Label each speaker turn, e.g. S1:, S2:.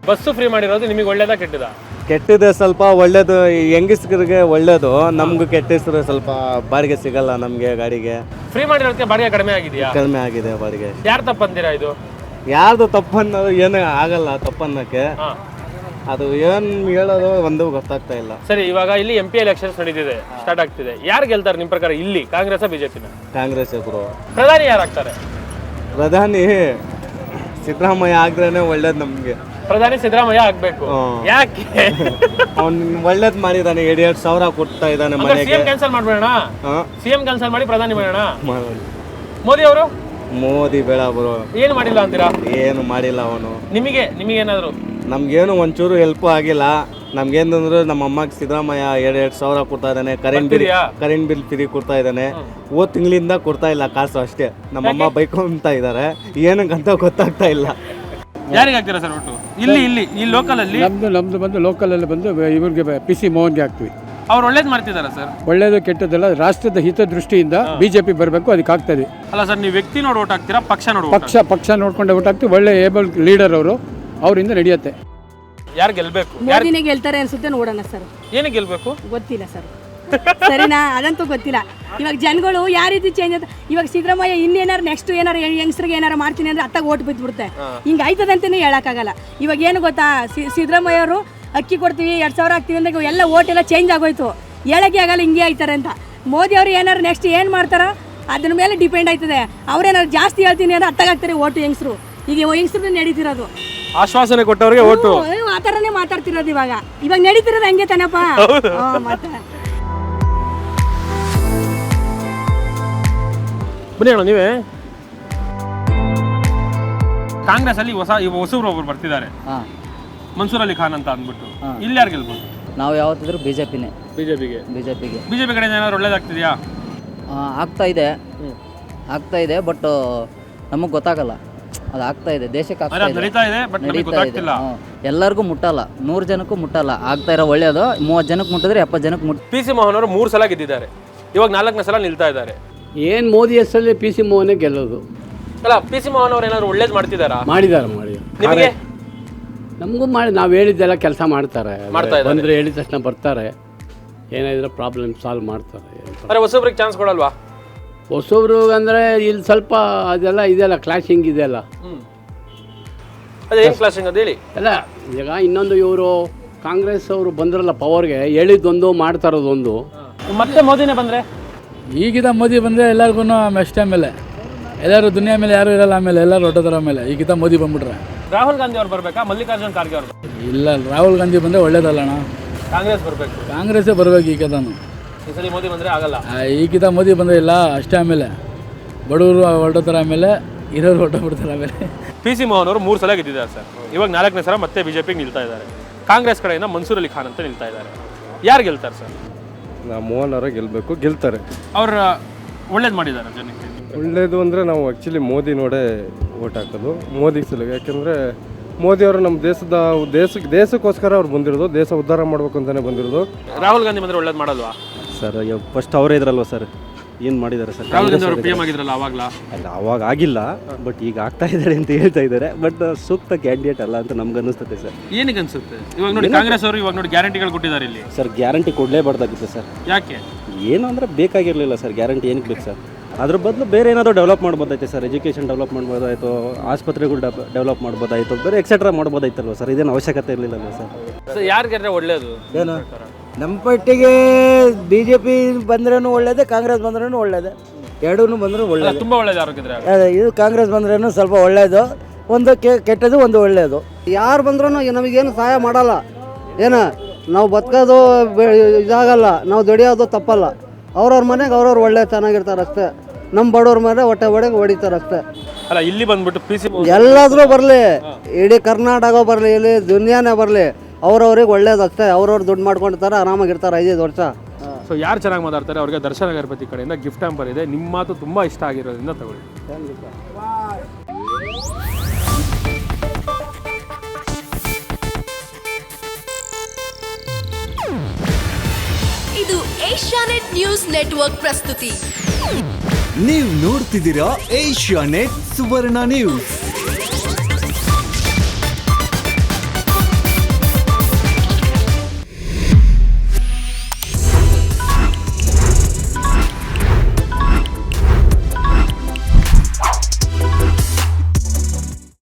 S1: Bus free ಮಾಡಿರೋದು ನಿಮಗೆ ಒಳ್ಳೇದಾ ಕೆಟ್ಟದಾ?
S2: ಕೆಟ್ಟಿದೆ, ಸ್ವಲ್ಪ ಒಳ್ಳೇದು. ಹೆಂಗಸ್ರಿಗೆ ಒಳ್ಳೇದು, ನಮ್ಗೆ ಕೆಟ್ಟ ಹೆಸರು. ಸ್ವಲ್ಪ ಬಾಡಿಗೆ ಸಿಗಲ್ಲ ನಮಗೆ ಗಾಡಿಗೆ.
S1: ಫ್ರೀ ಮಾಡಿರೋದಕ್ಕೆ ಬಾಡಿಗೆ ಕಡಿಮೆ ಆಗಿದೆಯಾ?
S2: ಕಡಿಮೆ ಆಗಿದೆ ಬಾಡಿಗೆ.
S1: ಯಾರು ತಪ್ಪಂತೀರಾ ಇದು?
S2: ಯಾರ್ದು ತಪ್ಪನ್ನೋದು ಏನೂ ಆಗಲ್ಲ ತಪ್ಪನ್ನಕ್ಕೆ. ಅದು ಏನು ಹೇಳೋದು ಒಂದು ಗೊತ್ತಾಗ್ತಾ ಇಲ್ಲ.
S1: ಸರಿ, ಇವಾಗ ಇಲ್ಲಿ MP ಎಲೆಕ್ಷನ್ಸ್ ನಡೀತಿದೆ, ಸ್ಟಾರ್ಟ್ ಆಗ್ತಿದೆ. ಯಾರು ಗೆಲ್ತಾರೆ ನಿಮ್ಮ ಪ್ರಕಾರ ಇಲ್ಲಿ, ಕಾಂಗ್ರೆಸ್ ಬಿಜೆಪಿನ?
S2: ಕಾಂಗ್ರೆಸ್ ಗುರು.
S1: ಪ್ರಧಾನಿ ಯಾರಾಗ್ತಾರೆ?
S2: ಪ್ರಧಾನಿ ಸಿದ್ದರಾಮಯ್ಯ ಆಗ್ರೇನೆ ಒಳ್ಳೇದು ನಮ್ಗೆ.
S1: ಪ್ರಧಾನಿ ಸಿದ್ದರಾಮಯ್ಯ ಆಗ್ಬೇಕು. ಯಾಕೆ?
S2: ಅವ್ನು ಒಳ್ಳೇದ್ ಮಾಡಿದಾನೆ, 2,000 ಕೊಡ್ತಾ ಇದ್ದಾನೆ ಮನೆಗೆ.
S1: ಸಿಎಂ ಕ್ಯಾನ್ಸಲ್ ಮಾಡ್ಬೇಡ, ಸಿಎಂ ಕ್ಯಾನ್ಸಲ್ ಮಾಡಿ ಪ್ರಧಾನಿ ಮಾಡೋಣ. ಮೋದಿ ಅವರು?
S2: ಮೋದಿ ಬೇಡ ಬ್ರೋ.
S1: ಏನು ಮಾಡಿಲ್ಲ ಅಂತೀರಾ?
S2: ಏನು ಮಾಡಿಲ್ಲ ಅವನು.
S1: ನಿಮಗೇನಾದ್ರು?
S2: ನಮ್ಗೇನು ಒಂಚೂರು ಹೆಲ್ಪ್ ಆಗಿಲ್ಲ. ನಮ್ಗೇನಂದ್ರೆ ನಮ್ಮ ಅಮ್ಮಗೆ ಸಿದ್ದರಾಮಯ್ಯ 2,000 ಕೊಡ್ತಾ ಇದ್ದಾನೆ. ಕರೆಂಟ್ ಬಿಲ್ ಫ್ರೀ ಕೊಡ್ತಾ ಇದ್ದಾನೆ. ಹೋದ್ ತಿಂಗಳಿಂದ ಕೊಡ್ತಾ ಇಲ್ಲ ಕಾಸು ಅಷ್ಟೇ. ನಮ್ಮಮ್ಮ ಬೈಕೊಂತ ಇದ್ದಾರೆ, ಏನಕ್ಕಂತ ಗೊತ್ತಾಗ್ತಾ ಇಲ್ಲ.
S1: ಯಾರಿಗೆ ಹಾಕ್ತೀರಾ ಸರ್ ಒಟ್ಟು? ಈ ಲೋಕಲ್ ಅಲ್ಲಿ?
S3: ನಮ್ದು ಬಂದು ಲೋಕಲ್ ಅಲ್ಲಿ ಬಂದು ಇವ್ರಿಗೆ PC ಮೋಹನ್ಗೆ ಹಾಕ್ತೀವಿ.
S1: ಅವ್ರು ಒಳ್ಳೇದು ಮಾಡ್ತಿದಾರ ಸರ್?
S3: ಒಳ್ಳೇದು ಕೆಟ್ಟದ್ದೆಲ್ಲ ರಾಷ್ಟ್ರದ ಹಿತದೃಷ್ಟಿಯಿಂದ BJP ಬರಬೇಕು, ಅದಕ್ಕೆ ಆಗ್ತದೆ.
S1: ಅಲ್ಲ ಸರ್, ನೀವು ವ್ಯಕ್ತಿ ನೋಡಿ ಓಟ್ ಹಾಕ್ತೀರಾ, ಪಕ್ಷ ನೋಡಿ?
S3: ಪಕ್ಷ ನೋಡ್ಕೊಂಡೆ ಓಟ್ ಹಾಕ್ತೀವಿ. ಒಳ್ಳೆ ಏಬಲ್ ಲೀಡರ್ ಅವರು, ಅವರಿಂದ ನಡೆಯುತ್ತೆ.
S1: ಯಾರು ಗೆಲ್ಬೇಕು?
S4: ಮೋದಿನೇ ಗೆಲ್ತಾರೆ ಅನ್ಸುತ್ತೆ, ನೋಡೋಣ ಸರ್.
S1: ಏನಕ್ಕೆ ಗೆಲ್ಬೇಕು
S4: ಗೊತ್ತಿಲ್ಲ ಸರ್. ಸರಿನಾ? ಅದಂತೂ ಗೊತ್ತಿಲ್ಲ. ಇವಾಗ ಜನಗಳು ಯಾವ ರೀತಿ ಚೇಂಜ್ ಅಂತ. ಇವಾಗ ಸಿದ್ದರಾಮಯ್ಯ ಇನ್ನೇನಾರು ನೆಕ್ಸ್ಟ್ ಏನಾರು ಯಂಗ್ಸ್ರಿಗೆ ಏನಾರು ಮಾಡ್ತೀನಿ ಅಂದ್ರೆ ಅತ್ತಾಗ ಓಟ್ ಬಿದ್ದುಬಿಡುತ್ತೆ. ಹಿಂಗೆ ಆಯ್ತದೆ ಅಂತಲೇ ಹೇಳೋಕ್ಕಾಗಲ್ಲ. ಇವಾಗ ಏನು ಗೊತ್ತಾ, ಸಿದ್ದರಾಮಯ್ಯ ಅವರು ಅಕ್ಕಿ ಕೊಡ್ತೀವಿ 2,000 ಹಾಕ್ತೀವಿ ಅಂದಾಗ ಎಲ್ಲ ಓಟ್ ಎಲ್ಲ ಚೇಂಜ್ ಆಗೋಯ್ತು. ಹೇಳೋಕ್ಕೆ ಆಗಲ್ಲ ಹಿಂಗೆ ಆಯ್ತಾರೆ ಅಂತ. ಮೋದಿ ಅವರು ಏನಾರು ನೆಕ್ಸ್ಟ್ ಏನು ಮಾಡ್ತಾರೋ ಅದ್ರ ಮೇಲೆ ಡಿಪೆಂಡ್ ಆಯ್ತದೆ. ಅವ್ರೇನಾರು ಜಾಸ್ತಿ ಹೇಳ್ತೀನಿ ಅಂದ್ರೆ ಅತ್ತಾಗ ಆಗ್ತಾರೆ ಓಟು ಯಂಗ್ಸ್ರು. ಈಗ ಯಂಗ್ಸ್ರು ನಡೀತಿರೋದು
S1: ಆಶ್ವಾಸನೆ ಕೊಟ್ಟವ್ರಿಗೆ ಓಟು,
S4: ಆ ಥರನೇ ಮಾತಾಡ್ತಿರೋದು. ಇವಾಗ ನಡೀತಿರೋದು ಹಂಗೆ ತಾನಪ್ಪ. ಮತ್ತೆ
S1: ಬನ್ನಿ ಅಣ್ಣ, ನೀವೇ ಕಾಂಗ್ರೆಸ್ ಅಲ್ಲಿ ಹೊಸಬ್ರು ಒಬ್ರು ಬರ್ತಿದ್ದಾರೆ, ಮನ್ಸೂರ್ ಅಲಿ ಖಾನ್ ಅಂತ ಅಂದ್ಬಿಟ್ಟು. ಇಲ್ಲಿ ಯಾರು ಗೆಲ್ಬೋದು?
S5: ನಾವು ಯಾವತ್ತಿದ್ರು ಬಿಜೆಪಿನೇ.
S1: ಬಿಜೆಪಿ ಕಡೆ ಏನಾದ್ರು ಒಳ್ಳೇದಾಗ್ತಿದೆಯಾ?
S5: ಆಗ್ತಾ ಇದೆ ಬಟ್ ನಮಗೆ ಗೊತ್ತಾಗಲ್ಲ. ಅದು ಆಗ್ತಾ ಇದೆ, ದೇಶಕ್ಕೆ
S1: ನಡೀತಾ ಇದೆ, ಬಟ್ ನಮಗೆ ಗೊತ್ತಾಗ್ತಿಲ್ಲ.
S5: ಎಲ್ಲರಿಗೂ ಮುಟ್ಟಲ್ಲ, 100 ಜನಕ್ಕೂ ಮುಟ್ಟಲ್ಲ. ಆಗ್ತಾ ಇರೋ ಒಳ್ಳೇದು 30 ಜನಕ್ಕೆ ಮುಟ್ಟಿದ್ರೆ 70 ಜನಕ್ಕೆ
S1: PC ಮೋಹನ್ ಅವರು 3 ಸಲ ಗೆದ್ದಿದ್ದಾರೆ, ಇವಾಗ 4ನೇ ಸಲ ನಿಲ್ತಾ ಇದ್ದಾರೆ.
S3: ಏನು ಮೋದಿ ಹೆಸರಲ್ಲಿ PC ಮೋಹನೇ ಗೆಲ್ಲೋದು.
S1: ಅಲ್ಲ, PC ಮೋಹನ್ ಅವ್ರು ಏನಾದ್ರು ಒಳ್ಳೇದು ಮಾಡಿದ್ದಾರೆ?
S3: ನಿಮಗೆ ನಮಗೂ ಮಾಡಿ, ನಾವು ಹೇಳಿದ್ದೆಲ್ಲ ಕೆಲಸ ಮಾಡ್ತಾರೆ. ಬಂದರೆ ಹೇಳಿದ ತಕ್ಷಣ ಬರ್ತಾರೆ, ಏನಾದರೂ ಪ್ರಾಬ್ಲಮ್ ಸಾಲ್ವ್ ಮಾಡ್ತಾರೆ.
S1: ಹೊಸಬ್ರಿಗೆ ಚಾನ್ಸ್ ಕೊಡಲ್ವಾ?
S3: ಹೊಸಬ್ರು ಅಂದರೆ ಇಲ್ಲಿ ಸ್ವಲ್ಪ ಅದೆಲ್ಲ ಇದೆಯಲ್ಲ, ಕ್ಲಾಶಿಂಗ್ ಇದೆಯಲ್ಲ.
S1: ಅದೇನು ಕ್ಲಾಶಿಂಗ್ ಅದು ಹೇಳಿ.
S3: ಅಲ್ಲ, ಈಗ ಇನ್ನೊಂದು ಇವರು ಕಾಂಗ್ರೆಸ್ ಅವರು ಬಂದ್ರಲ್ಲ ಪವರ್ಗೆ, ಹೇಳಿದ್ದೊಂದು ಮಾಡ್ತಾ ಇರೋದೊಂದು.
S1: ಮತ್ತೆ ಮೋದಿನೇ ಬಂದರೆ?
S6: ಈಗಿದ ಮೋದಿ ಬಂದರೆ ಎಲ್ಲರಿಗೂ ಅಷ್ಟೇ. ಆಮೇಲೆ ಎಲ್ಲರೂ ದುನಿಯಾ ಮೇಲೆ ಯಾರು ಇರಲ್ಲ, ಆಮೇಲೆ ಎಲ್ಲರೂ ಹೊಟ್ಟೋದ್ರ. ಆಮೇಲೆ ಈಗಿದ ಮೋದಿ ಬಂದ್ಬಿಟ್ರೆ
S1: ರಾಹುಲ್ ಗಾಂಧಿ ಅವ್ರು ಬರಬೇಕಾ, ಮಲ್ಲಿಕಾರ್ಜುನ್ ಖರ್ಗೆ ಅವರು?
S6: ಇಲ್ಲ, ರಾಹುಲ್ ಗಾಂಧಿ ಬಂದರೆ ಒಳ್ಳೇದಲ್ಲಣ್ಣ.
S1: ಕಾಂಗ್ರೆಸ್ ಬರಬೇಕು.
S6: ಕಾಂಗ್ರೆಸ್ಸೇ ಬರಬೇಕು ಈಗಿದಾನು.
S1: ಈ ಸಲ ಮೋದಿ ಬಂದರೆ ಆಗಲ್ಲ.
S6: ಈಗಿದ ಮೋದಿ ಬಂದರೆ ಇಲ್ಲ ಅಷ್ಟೇ. ಆಮೇಲೆ ಬಡವರು ಹೊರಟೋತಾರೆ, ಆಮೇಲೆ ಇರೋರು ಹೊರಟೋಗ್ಬಿಡ್ತಾರೆ. ಆಮೇಲೆ
S1: PC ಮೋಹನ್ ಅವರು 3 ಸಲ ಗೆದ್ದಿದ್ದಾರೆ ಸರ್, ಇವಾಗ 4ನೇ ಸಲ ಮತ್ತೆ ಬಿಜೆಪಿಗೆ ನಿಲ್ತಾ ಇದ್ದಾರೆ. ಕಾಂಗ್ರೆಸ್ ಕಡೆಯಿಂದ ಮನ್ಸೂರ್ ಅಲಿ ಖಾನ್ ಅಂತ ನಿಲ್ತಾ ಇದ್ದಾರೆ. ಯಾರು ಗೆಲ್ತಾರೆ ಸರ್?
S7: ಮೋಹನ್ ಅವರೇ ಗೆಲ್ಲಬೇಕು, ಗೆಲ್ತಾರೆ.
S1: ಅವ್ರು ಒಳ್ಳೇದು ಮಾಡಿದ್ದಾರೆ ಜನಕ್ಕೆ.
S7: ಒಳ್ಳೇದು ಅಂದರೆ ನಾವು ಆ್ಯಕ್ಚುಲಿ ಮೋದಿ ನೋಡೇ ಓಟ್ ಹಾಕೋದು, ಮೋದಿ ಸಲುವಾಗಿ. ಯಾಕೆಂದರೆ ಮೋದಿಯವರು ನಮ್ಮ ದೇಶಕ್ಕೋಸ್ಕರ ಅವ್ರು ಬಂದಿರೋದು, ದೇಶ ಉದ್ಧಾರ ಮಾಡ್ಬೇಕು ಅಂತಲೇ ಬಂದಿರೋದು.
S1: ರಾಹುಲ್ ಗಾಂಧಿ ಬಂದರೆ ಒಳ್ಳೇದು ಮಾಡಲ್ವಾ
S2: ಸರ್? ಫಸ್ಟ್ ಅವರೇ ಇದ್ರಲ್ವ ಸರ್, ಏನು ಮಾಡಿದ್ದಾರೆ ಸರ್?
S1: ರಾಹುಲ್ ಗಾಂಧಿ ಅವರು PM ಆಗಿದ್ರಲ್ಲ ಅವಾಗಲ?
S2: ಅಲ್ಲ, ಅವಾಗ ಆಗಿಲ್ಲ, ಬಟ್ ಈಗ ಆಗ್ತಾ ಇದ್ದಾರೆ ಅಂತ ಹೇಳ್ತಾ ಇದ್ದಾರೆ. ಬಟ್ ಸೂಕ್ತ ಕ್ಯಾಂಡಿಡೇಟ್ ಅಲ್ಲ ಅಂತ ನಮ್ಗೆ ಅನಿಸ್ತದೆ ಸರ್.
S1: ಏನಕ್ಕೆ ಅನ್ಸುತ್ತೆ? ಇವಾಗ ನೋಡಿ ಕಾಂಗ್ರೆಸ್ ಅವರು ಇವಾಗ ನೋಡಿ ಗ್ಯಾರಂಟಿಗಳು ಕೊಟ್ಟಿದ್ದಾರೆ ಇಲ್ಲಿ.
S2: ಸರ್ ಗ್ಯಾರಂಟಿ ಕೊಡಲೇಬಾರ್ದಾಗಿತ್ತು ಸರ್.
S1: ಯಾಕೆ?
S2: ಏನು ಅಂದರೆ ಬೇಕಾಗಿರಲಿಲ್ಲ ಸರ್. ಗ್ಯಾರಂಟಿ ಏನಕ್ಕೆ ಬೇಕು ಸರ್? ಅದ್ರ ಬದಲು ಬೇರೆ ಏನಾದರೂ ಡೆವಲಪ್ ಮಾಡ್ಬೋದಾಯ್ತು ಸರ್. ಎಜುಕೇಷನ್ ಡೆವಲಪ್ ಮಾಡ್ಬೋದಾಯಿತು, ಆಸ್ಪತ್ರೆಗಳು ಡೆವಲಪ್ ಮಾಡ್ಬೋದಾಯಿತು, ಬೇರೆ ಎಕ್ಸೆಟ್ರಾ ಮಾಡ್ಬೋದಾಯ್ತಲ್ವ ಸರ್? ಇದೇನು ಅವಶ್ಯಕತೆ ಇರಲಿಲ್ಲಲ್ಲ ಸರ್.
S1: ಯಾರಿಗಾದ್ರೆ ಒಳ್ಳೇದು?
S8: ಏನು ನಮ್ಮ ಪಟ್ಟಿಗೆ BJP ಬಂದ್ರೂ ಒಳ್ಳೇದೇ, ಕಾಂಗ್ರೆಸ್ ಬಂದ್ರೂ ಒಳ್ಳೇದೇ, ಎರಡೂ ಬಂದರೂ ಒಳ್ಳೇದು.
S1: ತುಂಬ ಒಳ್ಳೇದು ಆರೋಗ್ಯದ್ರೆ.
S8: ಇದು ಕಾಂಗ್ರೆಸ್ ಬಂದ್ರೂ ಸ್ವಲ್ಪ ಒಳ್ಳೇದು, ಒಂದು ಕೆಟ್ಟದ್ದು, ಒಂದು ಒಳ್ಳೇದು. ಯಾರು ಬಂದ್ರೂ ನಮಗೇನು ಸಹಾಯ ಮಾಡಲ್ಲ. ಏನು ನಾವು ಬದುಕೋದು ಇದಾಗಲ್ಲ, ನಾವು ದುಡಿಯೋದು ತಪ್ಪಲ್ಲ. ಅವ್ರವ್ರ ಮನೆಗೆ ಅವ್ರವ್ರು ಒಳ್ಳೆ ಚೆನ್ನಾಗಿರ್ತಾರೆ ಅಷ್ಟೇ. ನಮ್ಮ ಬಡವ್ರ ಮೇಲೆ ಹೊಟ್ಟೆ ಹೊಡಿತಾರೆ ಅಷ್ಟೇ.
S1: ಅಲ್ಲ, ಇಲ್ಲಿ ಬಂದ್ಬಿಟ್ಟು PC
S8: ಎಲ್ಲಾದ್ರೂ ಬರಲಿ, ಇಡೀ ಕರ್ನಾಟಕ ಬರಲಿ, ಇಲ್ಲಿ ದುನಿಯಾನೇ ಬರಲಿ, ಅವ್ರವ್ರಿಗೆ ಒಳ್ಳೇದು ಅಷ್ಟೇ. ಅವ್ರವ್ರು ದುಡ್ಡು ಮಾಡ್ಕೊಂಡಿರ್ತಾರೆ, ಆರಾಮಾಗಿರ್ತಾರೆ 5 ವರ್ಷ.
S1: ಸೊ ಯಾರು ಚೆನ್ನಾಗಿ ಮಾತಾಡ್ತಾರೆ ಅವ್ರಿಗೆ ದರ್ಶನ ಗಣಪತಿ ಕಡೆಯಿಂದ ಗಿಫ್ಟ್ ಹ್ಯಾಂಪರ್ ಇದೆ. ನಿಮ್ಮ ಮಾತು ತುಂಬ ಇಷ್ಟ ಆಗಿರೋದ್ರಿಂದ ತಗೊಳ್ಳಿ.
S9: ಇದು ಏಷ್ಯಾನೆಟ್ ನ್ಯೂಸ್ ನೆಟ್ವರ್ಕ್ ಪ್ರಸ್ತುತಿ.
S10: ನೀವು ನೋಡ್ತಿದ್ದೀರಾ ಏಷ್ಯಾನೆಟ್ ಸುವರ್ಣ ನ್ಯೂಸ್.